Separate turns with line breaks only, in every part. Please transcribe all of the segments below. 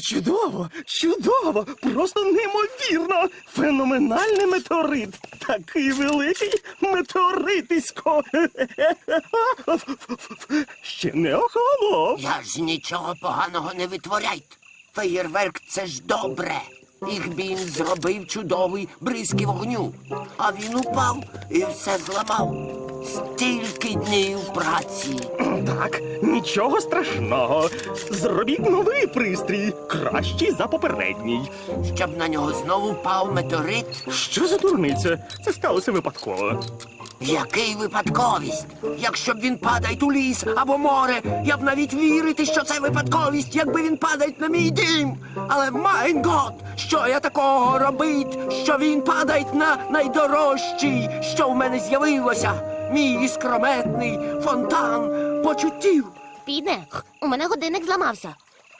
Чудово, чудово, просто неймовірно. Феноменальний метеорит. Такий великий метеоритисько. Ще не охолонув.
Я ж нічого поганого не витворяйте. Феєрверк – це ж добре. Ігбін зробив чудовий бризки вогню. А він упав і все зламав. Стільки днів праці.
Так, нічого страшного. Зробіть новий пристрій, кращий за попередній.
Щоб на нього знову впав метеорит.
Що за дурниця? Це сталося випадково.
Який випадковість? Якщо б він падає у ліс або море, я б навіть вірити, що це випадковість, якби він падає на мій дім. Але, майн гот, що я такого робить, що він падає на найдорожчий, що в мене з'явилося? Мій іскрометний фонтан почуттів.
Піде, у мене годинник зламався.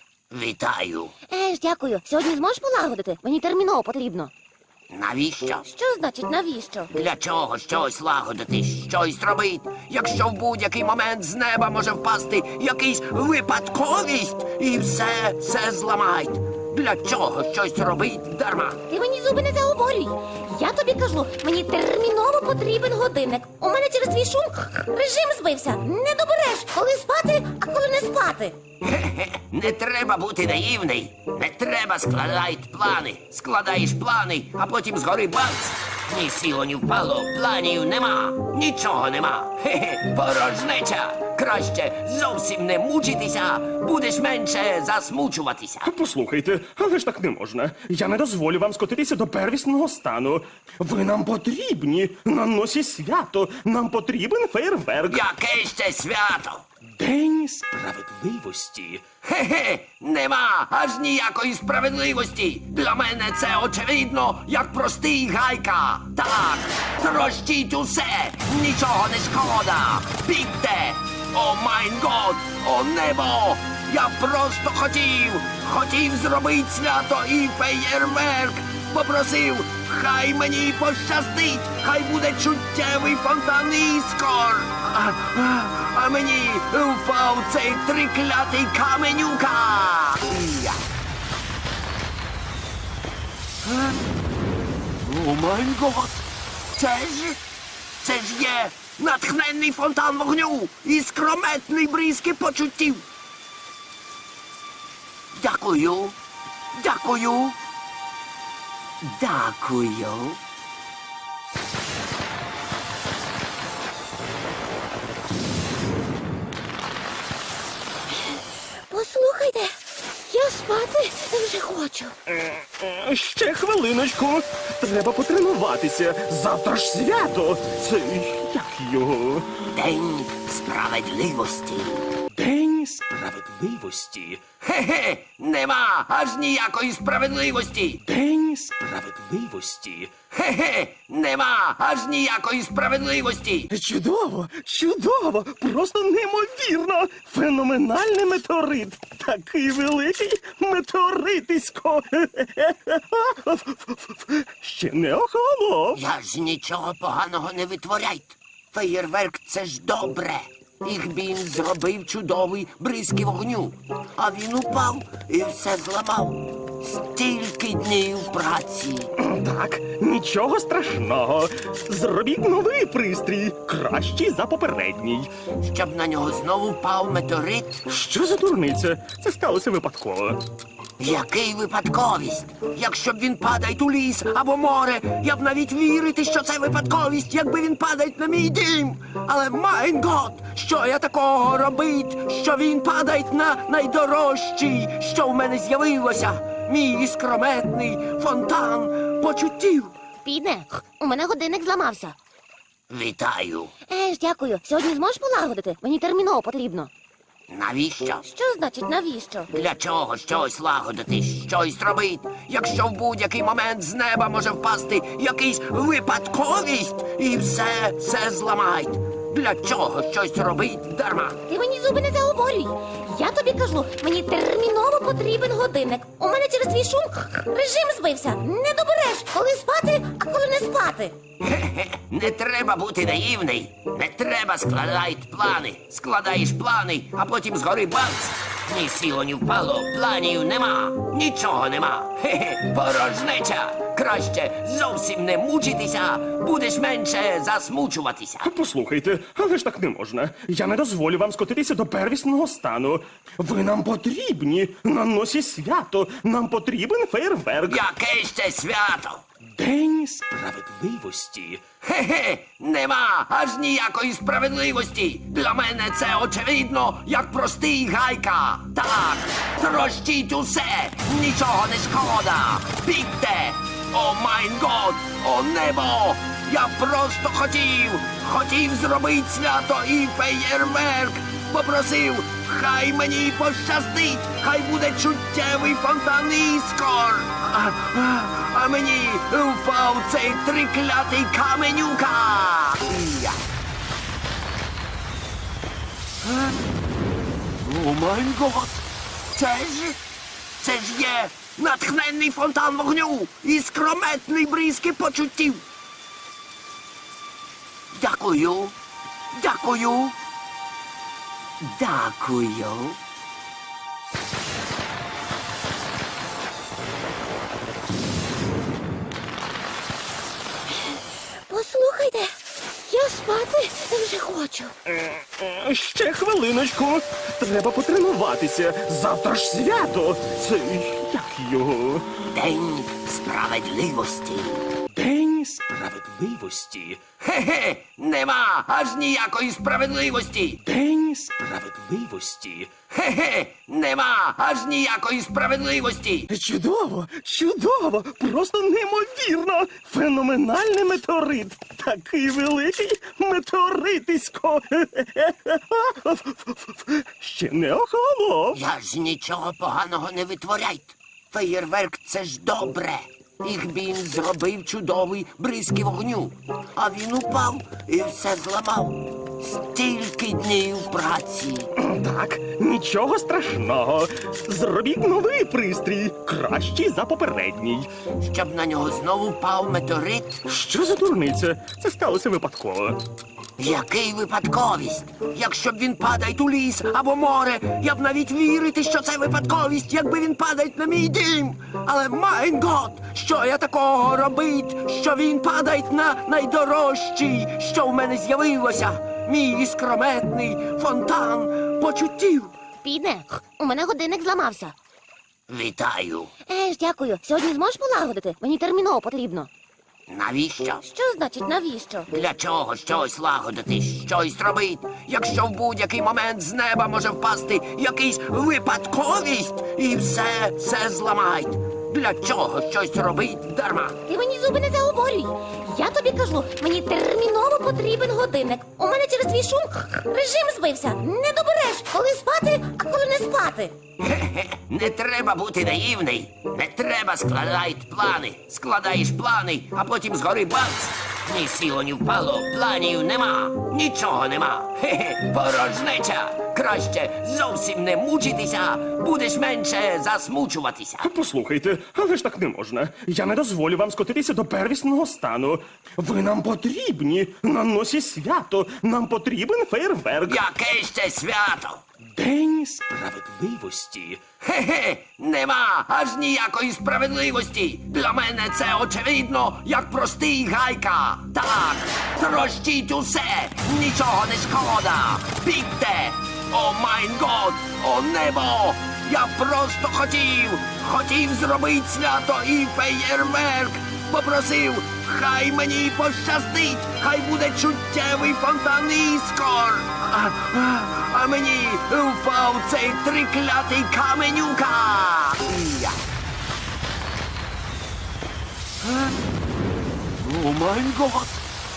Вітаю.
Дякую. Сьогодні зможеш полагодити? Мені терміново потрібно.
Навіщо?
Що значить навіщо?
Для чого щось лагодити, щось робити, якщо в будь-який момент з неба може впасти якийсь випадковість і все зламають? Для чого щось робить дарма?
Ти мені зуби не заговорюй. Я тобі кажу, мені терміново потрібен годинник. У мене через твій шум режим збився. Не добереш, коли спати, а коли не спати.
Хе-хе, не треба бути наївний. Не треба складати плани. Складаєш плани, а потім згори бац. Ні сіло, ні впало, планів нема. Нічого нема. Хе-хе, порожнеча. Краще зовсім не мучитися, будеш менше засмучуватися.
Послухайте, але ж так не можна. Я не дозволю вам скотитися до первісного стану. Ви нам потрібні. На носі свято. Нам потрібен фейерверк.
Яке ще свято?
День справедливості.
Хе-хе, нема аж ніякої справедливості. Для мене це очевидно, як простий гайка. Так, трощіть усе, нічого не шкода. Бігте! О майн год, о небо! Я просто хотів зробити свято і феєрверк. Попросив, хай мені пощастить, хай буде чуттєвий фонтан іскор. А мені впав цей триклятий каменюка. Я. О май гот! Це ж є натхненний фонтан вогню і скрометний бризки почуттів. Дякую. Дякую. Дякую.
Послухайте, я спати вже хочу.
Ще хвилиночку. Треба потренуватися. Завтра ж свято. Це як його?
День справедливості.
День справедливості.
Хе-хе, нема аж ніякої справедливості.
День справедливості.
Хе-хе, нема аж ніякої справедливості.
Чудово, чудово, просто неймовірно. Феноменальний метеорит. Такий великий метеоритисько. Ще не охолонув.
Я ж нічого поганого не витворяйте. Феєрверк – це ж добре. Ігбін зробив чудовий бризки вогню. А він упав і все зламав. Стільки днів праці.
Так, нічого страшного. Зробіть новий пристрій, кращий за попередній.
Щоб на нього знову впав метеорит.
Що за дурниця? Це сталося випадково.
Який випадковість? Якщо б він падає у ліс або море, я б навіть вірити, що це випадковість, якби він падає на мій дім. Але, майн гот, що я такого робить, що він падає на найдорожчий, що в мене з'явилося? Мій іскрометний фонтан почуттів.
Піде, у мене годинник зламався.
Вітаю.
Дякую. Сьогодні зможеш полагодити? Мені терміново потрібно.
Навіщо?
Що значить навіщо?
Для чого щось лагодити, щось робити, якщо в будь-який момент з неба може впасти якийсь випадковість і все зламають? Для чого щось робить дарма?
Ти мені зуби не заговорюй. Я тобі кажу, мені терміново потрібен годинник. У мене через твій шум режим збився. Не добереш, коли спати, а коли не спати.
Хе-хе, не треба бути наївний. Не треба складати плани. Складаєш плани, а потім згори бац. Ні сіло, ні впало, планів нема, нічого нема. Хе-хе, порожнеча. Краще зовсім не мучитися, будеш менше засмучуватися.
Послухайте, але ж так не можна. Я не дозволю вам скотитися до первісного стану. Ви нам потрібні на носі свято. Нам потрібен фейерверк.
Яке ще свято?
День справедливості.
Хе-хе, нема аж ніякої справедливості. Для мене це очевидно, як простий гайка. Так, трощіть усе, нічого не шкода. Бігте! О майн год, о небо! Я просто хотів зробити свято і феєрверк. Попросив, хай мені пощастить, хай буде чуттєвий фонтан іскор. А мені впав цей триклятий каменюка. Я. О май гот! Це ж є натхненний фонтан вогню і скрометний бризки почуттів. Дякую. Дякую. Дякую.
Послухайте, я спати вже хочу.
Ще хвилиночку. Треба потренуватися. Завтра ж свято. Це як його?
День справедливості.
День справедливості.
Хе-хе, нема аж ніякої справедливості.
День справедливості.
Хе-хе, нема аж ніякої справедливості.
Чудово, чудово, просто неймовірно. Феноменальний метеорит. Такий великий метеоритисько. Ще не охолонув.
Я ж нічого поганого не витворяйте. Феєрверк — це ж добре. Їх він зробив чудовий бризки вогню. А він упав і все зламав. Стільки днів праці.
Так, нічого страшного. Зробіть новий пристрій, кращий за попередній.
Щоб на нього знову впав метеорит.
Що за дурниця? Це сталося випадково.
Який випадковість? Якщо б він падає у ліс або море, я б навіть вірити, що це випадковість, якби він падає на мій дім. Але майн гот, що я такого робить, що він падає на найдорожчий, що в мене з'явилося. Мій іскрометний фонтан почуттів.
Підне, у мене годинник зламався.
Вітаю.
Дякую. Сьогодні зможеш полагодити? Мені терміново потрібно.
Навіщо?
Що значить навіщо?
Для чого щось лагодити, щось робить, якщо в будь-який момент з неба може впасти якийсь випадковість і все зламають? Для чого щось робить дарма?
Ти мені зуби не заговорюй. Я тобі кажу, мені терміново потрібен годинник. У мене через твій шум режим збився. Не добереш, коли спати, а коли не спати.
Хе-хе, не треба бути наївний. Не треба складати плани. Складаєш плани, а потім згори бац. Ні сіло, ні впало, планів нема, нічого нема. Хе-хе, порожнеча. Краще зовсім не мучитися, будеш менше засмучуватися.
Послухайте, але ж так не можна. Я не дозволю вам скотитися до первісного стану. Ви нам потрібні на носі свято. Нам потрібен фейерверк.
Яке ще свято?
День справедливості.
Хе-хе, нема аж ніякої справедливості. Для мене це очевидно, як простий гайка. Так, трощіть усе, нічого не шкода. Бігте! О майн год, о небо! Я просто хотів зробити свято і феєрверк. Попросив, хай мені пощастить, хай буде чуттєвий фонтан іскор. А мені впав цей триклятий каменюка. Я. О май гот!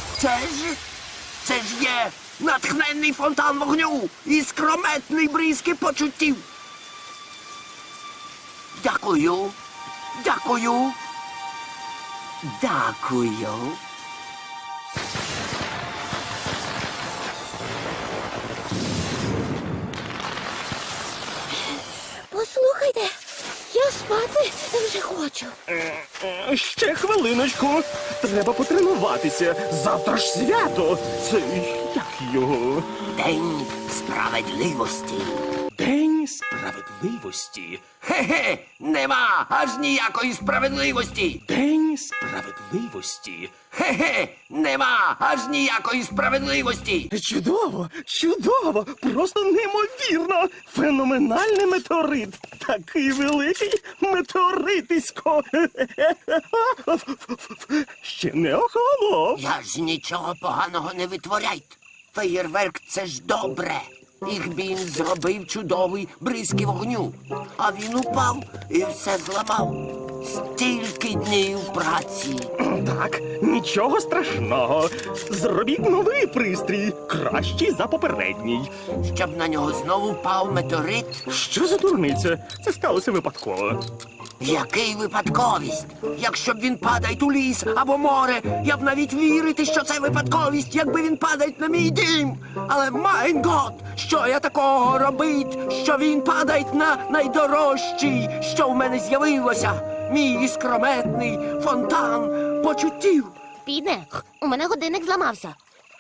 Це ж є натхненний фонтан вогню і скрометний бризки почуттів. Дякую. Дякую. Дякую.
Послухайте, я спати вже хочу.
Ще хвилиночку. Треба потренуватися. Завтра ж свято. Це як його?
День справедливості.
День
Справедливості? Хе-хе, нема аж ніякої справедливості.
День
Справедливості? Хе-хе, нема аж ніякої справедливості.
Чудово, чудово, просто неймовірно. Феноменальний метеорит. Такий великий метеоритисько. Ще не охолонув.
Я ж нічого поганого не витворяйте. Феєрверк — це ж добре. Їх він зробив чудовий бризки вогню. А він упав і все зламав. Стільки днів праці.
Так, нічого страшного. Зробіть новий пристрій, кращий за попередній.
Щоб на нього знову впав метеорит.
Що за дурниця? Це сталося випадково.
Який випадковість? Якщо б він падає у ліс або море, я б навіть вірити, що це випадковість, якби він падає на мій дім. Але майн гот, що я такого робить, що він падає на найдорожчий, що в мене з'явилося? Мій іскрометний фонтан почуттів.
Підне, у мене годинник зламався.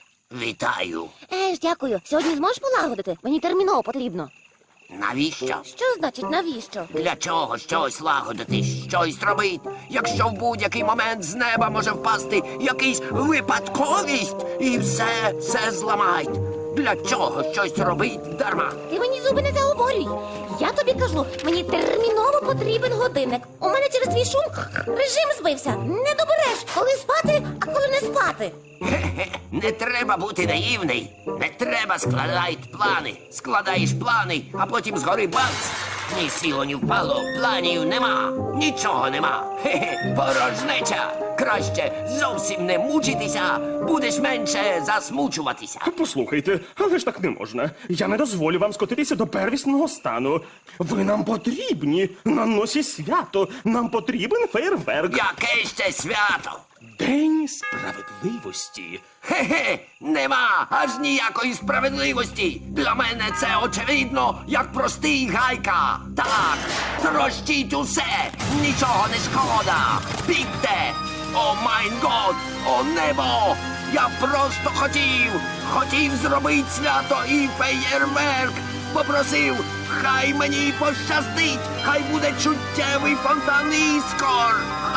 Вітаю.
Дякую. Сьогодні зможеш полагодити? Мені терміново потрібно.
Навіщо?
Що значить навіщо?
Для чого щось лагодити, щось робить, якщо в будь-який момент з неба може впасти якийсь випадковість і все зламають? Для чого щось робить дарма?
Ти мені зуби не заговорюй. Я тобі кажу, мені терміново потрібен годинник. У мене через твій шум режим збився. Не добереш, коли спати, а коли не спати.
Хе-хе, не треба бути наївний. Не треба складати плани. Складаєш плани, а потім згори бац. Ні сіло, ні впало, планів нема, нічого нема. Хе-хе, порожнеча. Краще зовсім не мучитися, будеш менше засмучуватися.
Послухайте, але ж так не можна. Я не дозволю вам скотитися до первісного стану. Ви нам потрібні на носі свято. Нам потрібен фейерверк.
Яке ще свято?
День
Справедливості? Хе-хе, нема аж ніякої справедливості. Для мене це очевидно, як простий гайка. Так, трощіть усе, нічого не шкода. Бігте! О майн год, о небо! Я просто хотів зробити свято і феєрверк. Попросив, хай мені пощастить, хай буде чуттєвий фонтан іскор.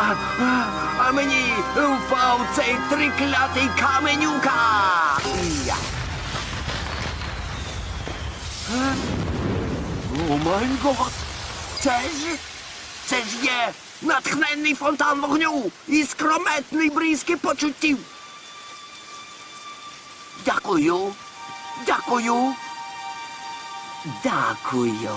А мені впав цей триклятий каменюка. Я. О май гот! Це ж є натхненний фонтан вогню і скрометний бризки почуттів. Дякую. Дякую. Дякую.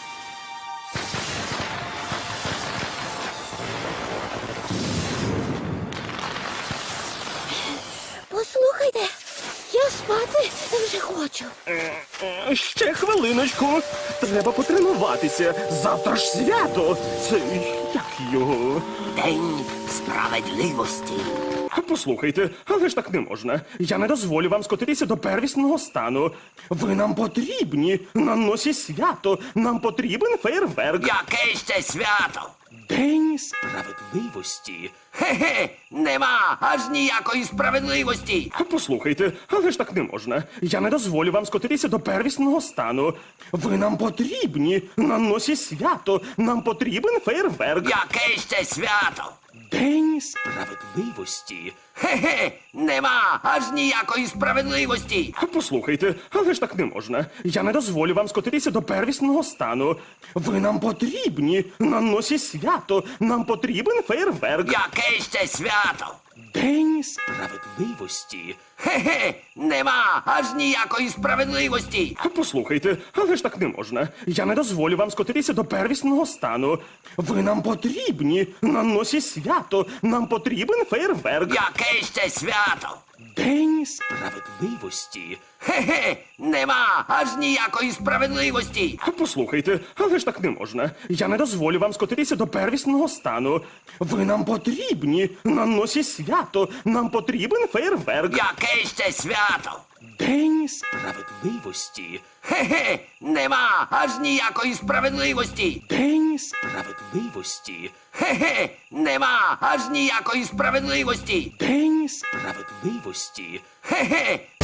Послухайте, я спати вже хочу.
Ще хвилиночку. Треба потренуватися. Завтра ж свято. Це як його?
День справедливості.
Послухайте, але ж так не можна. Я не дозволю вам скотитися до первісного стану. Ви нам потрібні на носі свято. Нам потрібен фейерверк.
Яке ще свято?
День
Справедливості? Хе-хе, нема аж ніякої справедливості.
Послухайте, але ж так не можна. Я не дозволю вам скотитися до первісного стану. Ви нам потрібні на носі свято. Нам потрібен фейерверк.
Яке ще свято?
День
Справедливості? Хе-хе, нема аж ніякої справедливості.
Послухайте, але ж так не можна. Я не дозволю вам скотитися до первісного стану. Ви нам потрібні на носі свято. Нам потрібен фейерверк.
Яке ще свято?
День
Справедливості? Хе-хе, нема аж ніякої справедливості.
Послухайте, але ж так не можна. Я не дозволю вам скотитися до первісного стану. Ви нам потрібні на носі свято. Нам потрібен фейерверк.
Яке ще свято?
День
Справедливості? Хе-хе, нема аж ніякої справедливості.
Послухайте, але ж так не можна. Я не дозволю вам скотитися до первісного стану. Ви нам потрібні на носі свято. Нам потрібен фейерверк.
Яке ще свято?
День
Справедливості? Хе-хе, нема аж ніякої справедливості.
День
Справедливості? Хе-хе, нема аж ніякої справедливості.
День
Справедливості? Хе-хе,